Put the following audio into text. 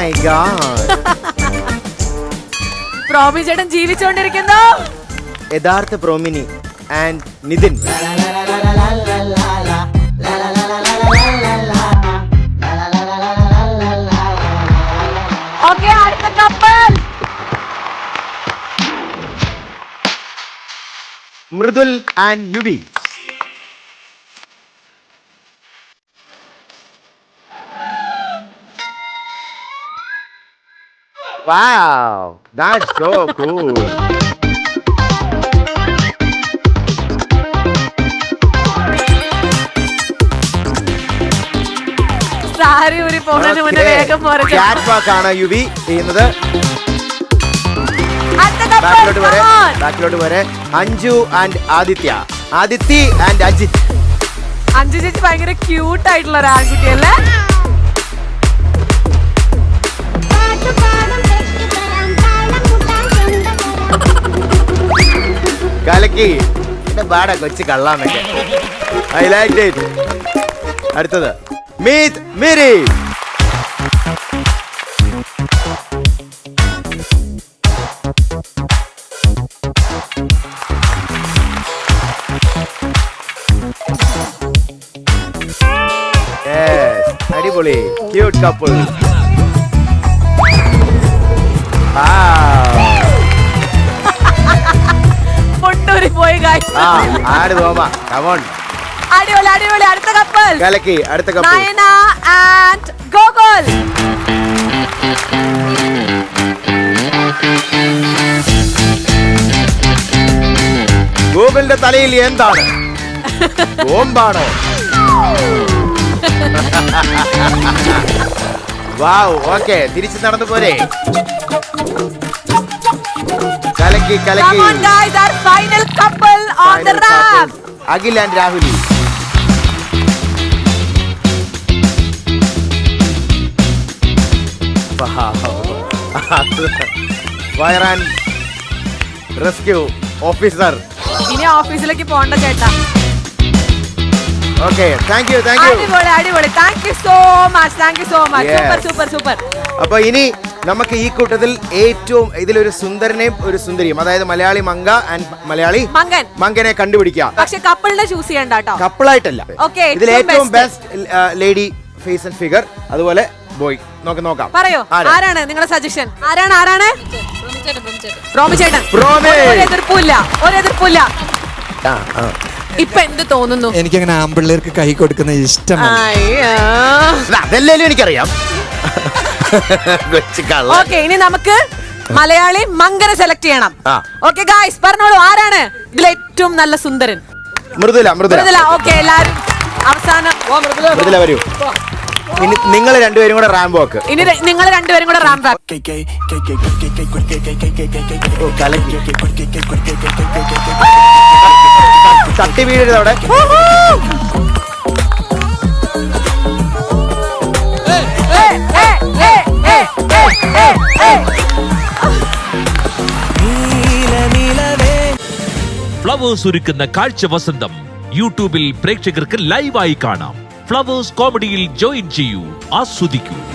My God. പ്രോമി ചേട്ടൻ ജീവിച്ചുകൊണ്ടിരിക്കുന്നു. യഥാർത്ഥ പ്രോമിനി and Nitin. Okay, അടുത്ത കപ്പൽ മൃദുൽ ആൻഡ് യുബി. Wow, that's so cool. Sari ഊരി പോകുന്നതിന് മുന്നേ വേഗം പോരെ. ക്യാറ്റ് വാക്ക് ആണ് യുബി ചെയ്യുന്നത്. അടുത്ത കപ്പൽ ബാക്കിലോട്ട് വരെ അഞ്ജു ആൻഡ് ആദിത്യ. ആദിത്യ ആൻഡ് അജിത്. അഞ്ജു ചേച്ചി ഭയങ്കര ക്യൂട്ട് ആയിട്ടുള്ള ഒരു ആൺകുട്ടിയല്ലേ? കലക്കി എന്റെ ബാട കൊച്ചു കള്ളാന്നൊക്കെ. I like it. അടുത്തത് മീറ്റ് മിരി. അടിപൊളി ക്യൂട്ട് കപ്പിൾ. മുണ്ടൂരി പോയി ആട് തോമ. Come on. അടിപൊളി അടിപൊളി. അടുത്ത കപ്പൽ കലക്കി. അടുത്ത കപ്പിൾ നയന ആൻഡ് ഗോകുൽ. ഗൂഗിളിന്റെ തലയിൽ എന്താണ്? ബോംബാണോ? വാവ്. ഓക്കെ, തിരിച്ചു നടന്നു പോരെ. കലക്കി കലക്കി. Come on guys, our final couple on the ramp. Akhil and രാഹുലി. Fire and rescue officer. ഇനി ഓഫീസിലേക്ക് പോകണ്ട ചേട്ടാ. Okay, thank you thank you. അടിപൊളി അടിപൊളി. Thank you so much. Thank you so much. Super super super. അപ്പൊ ഇനി നമുക്ക് ഈ കൂട്ടത്തിൽ ഏറ്റവും ഇതിലൊരു സുന്ദരനെയും ഒരു സുന്ദരിയും, അതായത് മലയാളി മങ്ക ആൻഡ് മലയാളി മങ്കനെ കണ്ടുപിടിക്കാം. പക്ഷെ കപ്പിളിനെ ചൂസ് ചെയ്യണ്ട കേട്ടോ. കപ്പിളായിട്ടല്ല. ഇതിൽ ഏറ്റവും best lady face and figure, അതുപോലെ ബോയ്. നോക്കാം. പറയോ ആരാണ് നിങ്ങളുടെ സജഷൻ? ആരാണ്? പ്രോമി ചേട്ടൻ. ഒരു എതിർപ്പില്ല. ഇപ്പൊ എന്ത് തോന്നുന്നു? എനിക്കങ്ങനെ ആമ്പിള്ളേർക്ക് കൈ കൊടുക്കുന്ന ഇഷ്ടമാണ്. അതല്ലേ എനിക്കറിയാം. ഓക്കെ, ഇനി നമുക്ക് മലയാളി മങ്കനെ സെലക്ട് ചെയ്യണം. ഓക്കെ ഗായ്സ്, പറഞ്ഞോളൂ ആരാണ് ഇതിൽ ഏറ്റവും നല്ല സുന്ദരൻ? മൃദുല. ഓക്കെ, എല്ലാരും അവസാനം മൃദുല വരൂ. ഇനി നിങ്ങൾ രണ്ടുപേരും കൂടെ റാമ്പ് വാക്ക്. റാമ്പ് വാക്ക്. തട്ടി വീഴരുത് അവിടെ. ഫ്ലവേഴ്സ് ഒരുക്കുന്ന കാഴ്ച വസന്തം യൂട്യൂബിൽ പ്രേക്ഷകർക്ക് ലൈവായി കാണാം. ഫ്ലവേഴ്സ് കോമഡിയിൽ ജോയിൻ ചെയ്യൂ, ആസ്വദിക്കൂ.